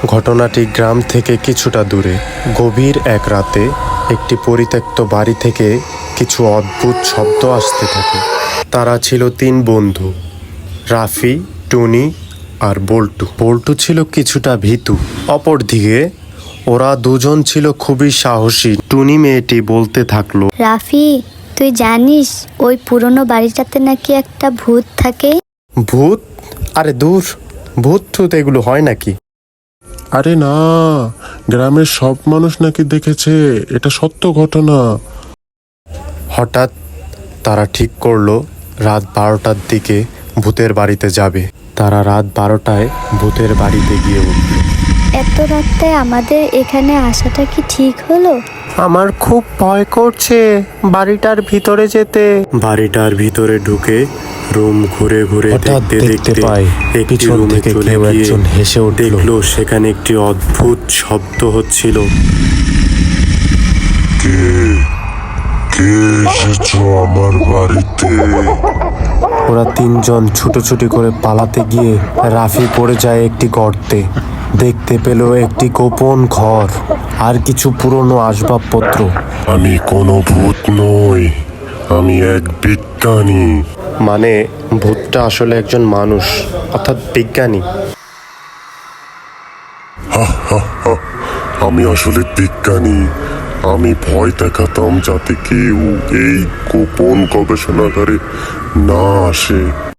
ঘটনাটি গ্রাম থেকে কিছুটা দূরে। গভীর এক রাতে একটি পরিত্যক্ত বাড়ি থেকে কিছু অদ্ভুত শব্দ আসতে থাকে। তারা ছিল 3 বন্ধু, রাফি, টুনি আর বল্টু। বল্টু ছিল কিছুটা ভীতু, অপরদিকে ওরা দুজন ছিল খুবই সাহসী। টুনি মেয়েটি বলতে থাকলো, রাফি, তুই জানিস ওই পুরনো বাড়িটাতে নাকি একটা ভূত থাকে? ভূত? আরে দূর, ভূত ঠুত এগুলো হয় নাকি? আরে না, গ্রামের সব মানুষ নাকি দেখেছে, এটা সত্য ঘটনা। হঠাৎ তারা ঠিক করলো রাত 12টার দিকে ভূতের বাড়িতে যাবে। তারা রাত 12টায় ভূতের বাড়িতে গিয়ে উঠল। এত রাতে আমাদের এখানে আসাটা কি ঠিক হলো? আমার খুব ভয় করছে বাড়িটার ভিতরে যেতে। বাড়িটার ভিতরে ঢুকে রুম ঘুরে ঘুরে দেখতে পায় একটি রুমে চলে গিয়ে হেসে দেখলো সেখানে একটি অদ্ভুত শব্দ হচ্ছিল। কে এসেছো আমার বাড়িতে? ওরা 3 জন ছুটোছুটি করে পালাতে গিয়ে রাফি পড়ে যায় একটি গর্তে। দেখতে পেল একটি গোপন ঘর আর কিছু পুরনো আসবাবপত্র। আমি কোনো ভূত নই, আমি এক বিজ্ঞানী। মানে ভূতটা আসলে একজন মানুষ, অর্থাৎ বিজ্ঞানী। আমি আসলে বিজ্ঞানী। আমি ভয় দেখাতাম যাতে কেউ এই গোপন গবেষণাগারে না আসে।